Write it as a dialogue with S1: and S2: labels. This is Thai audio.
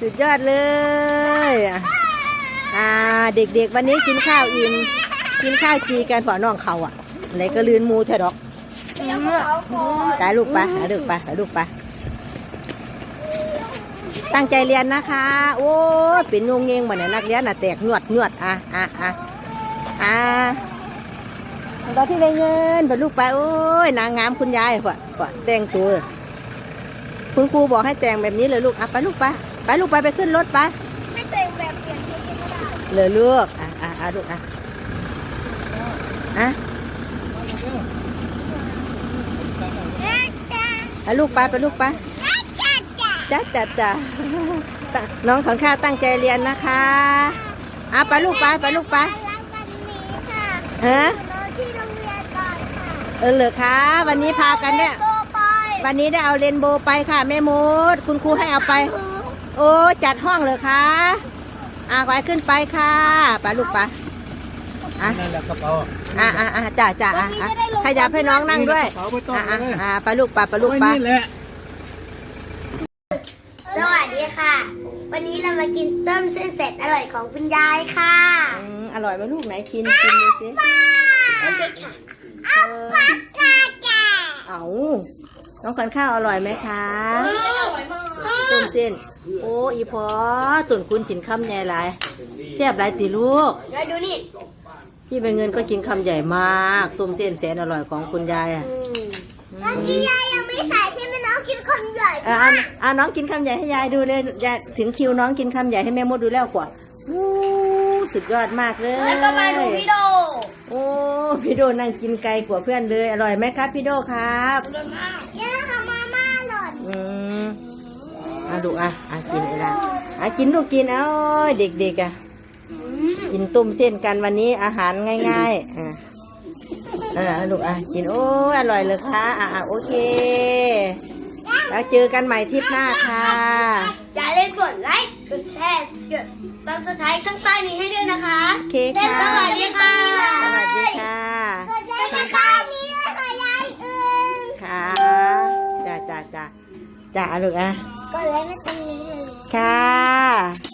S1: สุดยอดเลยเด็กๆวันนี้กินข้าวอิ่มกินข้าวจีกันพอน้องเขาไหนก็ลืนมูแท้ดอกตายลูกปะหาลูกปะหาลูกปะตั้งใจเรียนนะคะโอ้เป็นงงเงงเหมือนนักเรียนแตกหนวดตอนที่ได้เงินพอลูกไปโอ้ยนางงามคุณยายกว่าแต่งตัวคุณครูบอกให้แต่งแบบนี้เลยลูกไปลูกไปขึ้นรถไป
S2: ไม่แต่งแบบเปลี่ยนชุดไม่ได้
S1: เลยลูกลูกลูกไปลูกไปจ้าน้องของข้าตั้งใจเรียนนะคะไปลูกไปฮะ
S2: ที่โรงเรียนก่อนค่ะ
S1: เหรอคะวันนี้พากันเนี่ยวันนี้ได้เอาเรนโบว์ไปค่ะแม่มดคุณครูให้เอาไปโอ้จัดห้องเลยคะไปขึ้นไปค่ะไปลูกไป
S3: นั่นแหละกระเป๋า
S1: จ้าขยับให้น้องนั่งด้วยไปลูกไป
S3: นี่แหละ
S2: สวัสดีค่ะวันนี้เรามากินต้มเส้นเสร็จอร่อยของคุณยายค่ะ
S1: อร่อยไหมลูกไหนกินดูสิ
S2: โอเคค่ะ
S1: เอาน้องขวัญข้าวอร่อยไหมคะต้มเส้นโอ้อีพอตุ่นคุณกินคำใหญ่หลายแซ่บหลายตีลูก
S2: ดูนี่
S1: พี่ใบเงินก็กินคำใหญ่มากต้มเส้นแสนอร่อยของคุณยาย
S2: คุณยายยังไม่ใส่ใช่ไหมน้องกินคำใหญ่
S1: น้องกินคำใหญ่ให้ยายดูเลยยายถึงคิวน้องกินคำใหญ่ให้แม่มดดูแล้วกว่าสุดยอดมากเลย
S2: แล้วก็มาดูพี่โด
S1: โอ้พี่โดนั่งกินไกลกว่าเพื่อนเลยอร่อยไหมครับพี่โดครับ
S2: อร่อยมากเยอะค่ะมาม่าหล่น
S1: ดูกินอะไรกินลูกกินเด็กๆกินต้มเส้นกันวันนี้อาหารง่ายๆลูกกินโอ้อร่อยเลยค่ะโอเคแล้วเจอกันใหม่ทริปหน้าค่ะ
S2: อย่าลืมกดไลค์กดแชร์กด Subscribe ข้างใต้นี้ให้ด้วยนะคะ
S1: โอเคค่ะ
S2: สวัสดีค่ะ
S1: สวัสดีค่ะ
S2: กดไลค์ข้างนี้แล้วก็ยายอื่น
S1: ค่ะจ้าลูก
S2: กดไลค์มาตรงนี้เลย
S1: ค่ะ